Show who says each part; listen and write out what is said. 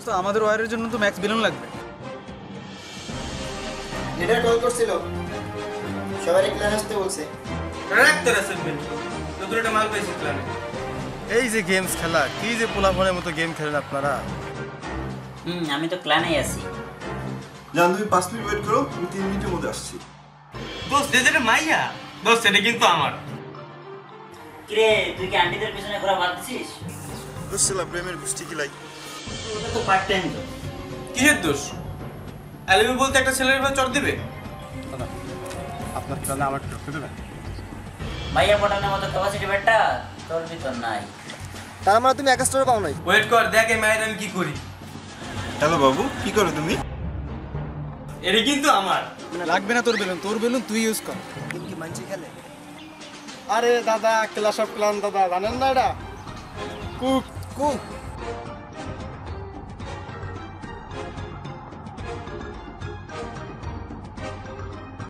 Speaker 1: দোস্ত আমাদের ওয়ারের জন্য তো ম্যাক্স বেলুন লাগবে।
Speaker 2: লিডার কল করছিল, সবারই প্ল্যান আসতে বলছে।
Speaker 3: রাখতে রাখবেন নতুন একটা মাল পেয়েছি প্ল্যানে।
Speaker 4: এই যে গেমস খেলা, কি যে পোলাপনের মতো গেম খেলেন আপনারা।
Speaker 5: আমি তো ক্লানেই আছি।
Speaker 6: জান তুমি 5 মিনিট ওয়েট করো, আমি 3 মিনিটের মধ্যে আসছি।
Speaker 3: দোস্ত যেটা মাইয়া দোস্ত এটা কিন্তু আমার।
Speaker 5: কিরে তুই কি আন্টিদের পিছনে ঘোরা বাদ দিছিস?
Speaker 6: বুঝছিলাম প্রেমের গোষ্ঠী কিলাই।
Speaker 5: ওটা তো পার্ট টাইম তো।
Speaker 3: কিসের দোষ? আলিমি বলতে একটা ছেলের ভাই চড় দিবে?
Speaker 4: আপনার খেলা আমার করতে দেবেন?
Speaker 5: ভাইয়া পটানোর মতো ক্যাপাসিটি বেটা তোর ভিতর নাই।
Speaker 4: তার মানে তুমি 1 স্টার পাও নাই?
Speaker 3: ওয়েট কর দেখ এই মায়ের আমি কি করি।
Speaker 6: হ্যালো বাবু, কি করো তুমি?
Speaker 3: এটা কিন্তু আমার।
Speaker 1: লাগবে না তোর বেলুন তুই ইউজ কর।
Speaker 4: গেম কি মানছি খেলে? আরে দাদা, ক্লাস অফ ক্লান দাদা, জানেন না এটা? Cook cook